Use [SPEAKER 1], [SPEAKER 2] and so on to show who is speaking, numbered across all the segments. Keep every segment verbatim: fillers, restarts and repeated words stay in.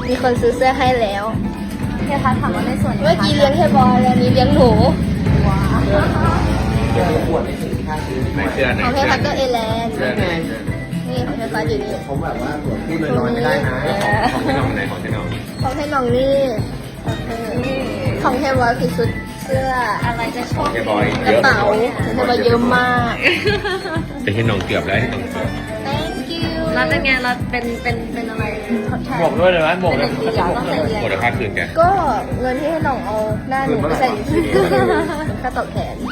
[SPEAKER 1] มีคนซื้อเสื้อให้แล้ว
[SPEAKER 2] เฮียพัดถามว่าในส่วน
[SPEAKER 1] เมื่อกี้เลี้ยงแค่บอยแล้วนี้เลี้ยงหนู
[SPEAKER 2] ว้าว
[SPEAKER 3] เสื้อขวดในสินค้าซื้อไหนเสื้อไหน
[SPEAKER 1] ของเทพัดก็เอแลนด์
[SPEAKER 3] เสื้อไหน
[SPEAKER 1] นี่ของเทพัดอยู่นี่
[SPEAKER 3] ผมแบบว่าขวดพูดลอยๆไม่ได้นะของที่น้องไหนของที่น้อง
[SPEAKER 1] ของเทน้องนี่ของเทบอยคือชุดเสื้อ
[SPEAKER 2] อะไรจะชอบ
[SPEAKER 3] เจบอย
[SPEAKER 1] กระเป๋าของเทบอยเยอะมาก
[SPEAKER 3] แต่ที่น้องเกือบแล้วที่น้องเกือบ
[SPEAKER 1] thank you
[SPEAKER 2] แล้วเป็นไงเราเป็นเป็นเป็นอะไรทดแทน
[SPEAKER 3] บวกด้วยเลยไหมบวก
[SPEAKER 2] เป็
[SPEAKER 3] เล
[SPEAKER 2] น
[SPEAKER 3] ย
[SPEAKER 2] สีเหรอต้องใส่เรียน
[SPEAKER 3] บวกเลยค่าคืนแก
[SPEAKER 1] ก็เงินที่ให้น้องเอาหน้าหนูไปใส่ค่าตอบแทน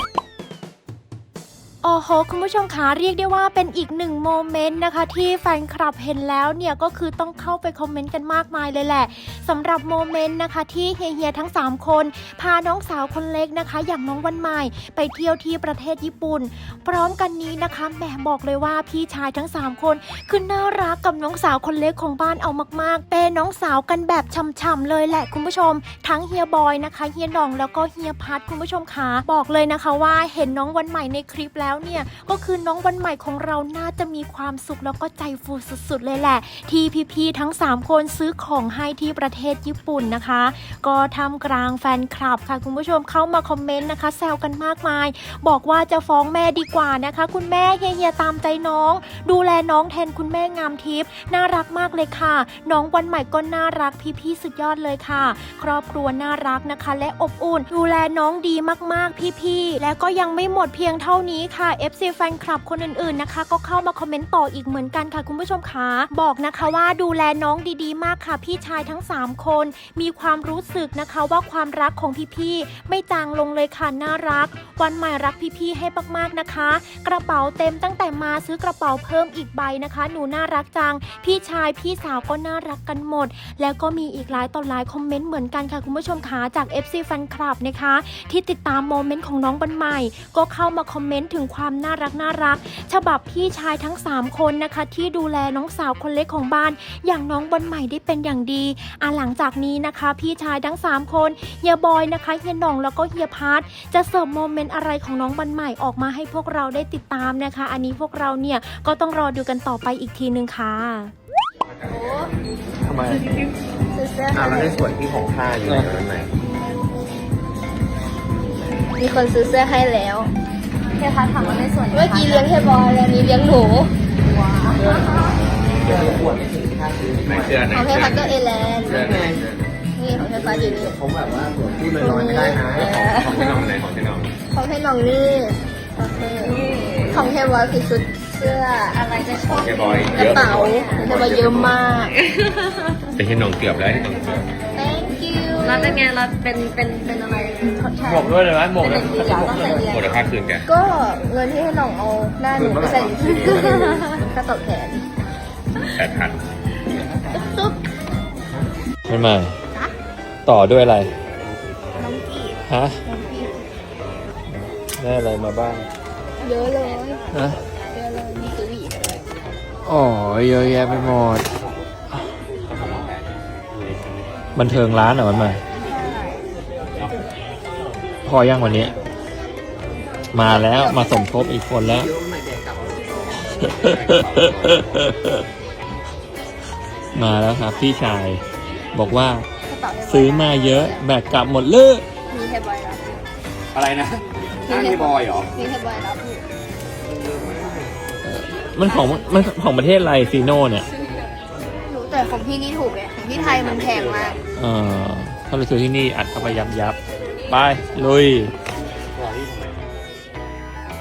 [SPEAKER 4] โอ้โหคุณผู้ชมคะเรียกได้ว่าเป็นอีกหนึ่งโมเมนต์นะคะที่แฟนคลับเห็นแล้วเนี่ยก็คือต้องเข้าไปคอมเมนต์กันมากมายเลยแหละสำหรับโมเมนต์นะคะที่เฮียๆทั้งสามคนพาน้องสาวคนเล็กนะคะอย่างน้องวันใหม่ไปเที่ยวที่ประเทศญี่ปุ่นพร้อมกันนี้นะคะแหมบอกเลยว่าพี่ชายทั้งสามคนคือน่ารักกับน้องสาวคนเล็กของบ้านเอามากๆเป็นน้องสาวกันแบบช่ำๆเลยแหละคุณผู้ชมทั้งเฮียบอยนะคะเฮียหน่องแล้วก็เฮียพัดคุณผู้ชมคะบอกเลยนะคะว่าเห็นน้องวันใหม่ในคลิปแล้วเนี่ยก็คือน้องวันใหม่ของเราน่าจะมีความสุขแล้วก็ใจฟูสุดๆเลยแหละที่พี่ๆทั้งสามคนซื้อของให้ที่ประเทศญี่ปุ่นนะคะก็ทำกลางแฟนคลับค่ะคุณผู้ชมเข้ามาคอมเมนต์นะคะแซวกันมากมายบอกว่าจะฟ้องแม่ดีกว่านะคะคุณแม่เฮียๆตามใจน้องดูแลน้องแทนคุณแม่งามทิพย์น่ารักมากเลยค่ะน้องวันใหม่ก็น่ารักพี่ๆสุดยอดเลยค่ะครอบครัวน่ารักนะคะและอบอุ่นดูแลน้องดีมากๆพี่ๆและก็ยังไม่หมดเพียงเท่านี้ค่ะ เอฟ ซี แฟนคลับคนอื่นๆนะคะก็เข้ามาคอมเมนต์ต่ออีกเหมือนกันค่ะคุณผู้ชมคะบอกนะคะว่าดูแลน้องดีๆมากค่ะพี่ชายทั้งสามคนมีความรู้สึกนะคะว่าความรักของพี่ๆไม่จางลงเลยค่ะน่ารักวันใหม่รักพี่ๆให้มากๆนะคะกระเป๋าเต็มตั้งแต่มาซื้อกระเป๋าเพิ่มอีกใบนะคะหนูน่ารักจังพี่ชายพี่สาวก็น่ารักกันหมดแล้วก็มีอีกหลายต่อหลายคอมเมนต์เหมือนกันค่ะคุณผู้ชมคะจาก เอฟ ซี แฟนคลับนะคะที่ติดตามโมเมนต์ของน้องวันใหม่ก็เข้ามาคอมเมนต์ถึงความน่ารักน่ารักฉบับพี่ชายทั้งสามคนนะคะที่ดูแลน้องสาวคนเล็กของบ้านอย่างน้องวันใหม่ได้เป็นอย่างดีอ่ะหลังจากนี้นะคะพี่ชายทั้งสามคนเฮียบอยนะคะเฮียหน่องแล้วก็เฮียพัทจะเสิร์ฟโมเมนต์อะไรของน้องวันใหม่ออกมาให้พวกเราได้ติดตามนะคะอันนี้พวกเราเนี่ยก็ต้องรอดูกันต่อไปอีกทีนึงค่ะ
[SPEAKER 3] ทำไม
[SPEAKER 1] ซื้อเสื้อ
[SPEAKER 3] อ่า
[SPEAKER 1] ให้
[SPEAKER 3] แล้วในส่วนที่ของค่าอยู่ในนั้นไหน
[SPEAKER 1] มีคนซื้อเสื้อให้แล้ว
[SPEAKER 2] เฮียพัดถามว่าในส่วน
[SPEAKER 1] เมื่อกี้เลี้ยงแค่บอยแล้วนี้เลี้ยงหนู
[SPEAKER 2] ว้าว
[SPEAKER 3] เสื้อขวดในสินค้าซื้อไหนเสื้อไหน
[SPEAKER 1] ของเทพัดก็เอแลนด์
[SPEAKER 3] เสื้อไหน
[SPEAKER 1] นี่ของเทพัดอยู่นี่
[SPEAKER 3] ผมแบบว่าขวดพูดลอยๆไม่ได้นะของที่น้องไหนของที่น้อง
[SPEAKER 1] ของเทน้องนี่ของเทบอยคือชุดเสื้อ
[SPEAKER 2] อะไรจะชอบ
[SPEAKER 3] เจบอย
[SPEAKER 1] กระเป๋าของเทบอยเยอะมาก
[SPEAKER 3] แต่ที่น้องเกือบแล้วที่น้องเกือบ
[SPEAKER 1] thank you
[SPEAKER 2] แล้วเป็นไงเราเป็นเป็นเป็นอะไรทดแทน
[SPEAKER 3] บวกด้วยเลยไหมบวก
[SPEAKER 2] เป็น
[SPEAKER 3] เลย
[SPEAKER 2] สีเหรอต้องใส่เรียน
[SPEAKER 3] บวกเลยค่าคืนแก
[SPEAKER 1] ก็เงินที่ให้น้องเอาหน้าหนูไปใส่ค่าตอบแทน
[SPEAKER 3] แปดพัน
[SPEAKER 1] ตุ๊บ
[SPEAKER 5] ไม่มาต่อด้วยอะไร
[SPEAKER 1] น้องกีบ
[SPEAKER 5] ฮะ
[SPEAKER 1] น้องกีบ
[SPEAKER 5] ได้อะไรมาบ้าง
[SPEAKER 1] เยอะเลย
[SPEAKER 5] ฮะ
[SPEAKER 1] เยอะเลยมีตุ้ย
[SPEAKER 5] อ๋อเยอะแยะไปหมด บันเทิงร้านเหรอมันมา พอยังวันนี้ มาแล้วมาสมทบอีกคนแล้ว มาแล้วครับพี่ชาย บอกว่า
[SPEAKER 1] กระเป๋าเทบย
[SPEAKER 5] ซื้อมาเยอะแบกกลับหมดเลย
[SPEAKER 1] มีเทบอยรับอยู่
[SPEAKER 3] อะไรนะห้างที่บอยเหรอ
[SPEAKER 1] มีเทบอยรับอยู่
[SPEAKER 5] มันของมันของประเทศอะไรซีโน่เนี่ย
[SPEAKER 1] รู้แต่ของพี่นี่ถูกไงของพี่ไทยมันแพงมาก
[SPEAKER 5] เอ่อถ้าเราซื้อที่นี่อัดเข้าไปยับยับไปลุย
[SPEAKER 3] รอที่ทำไม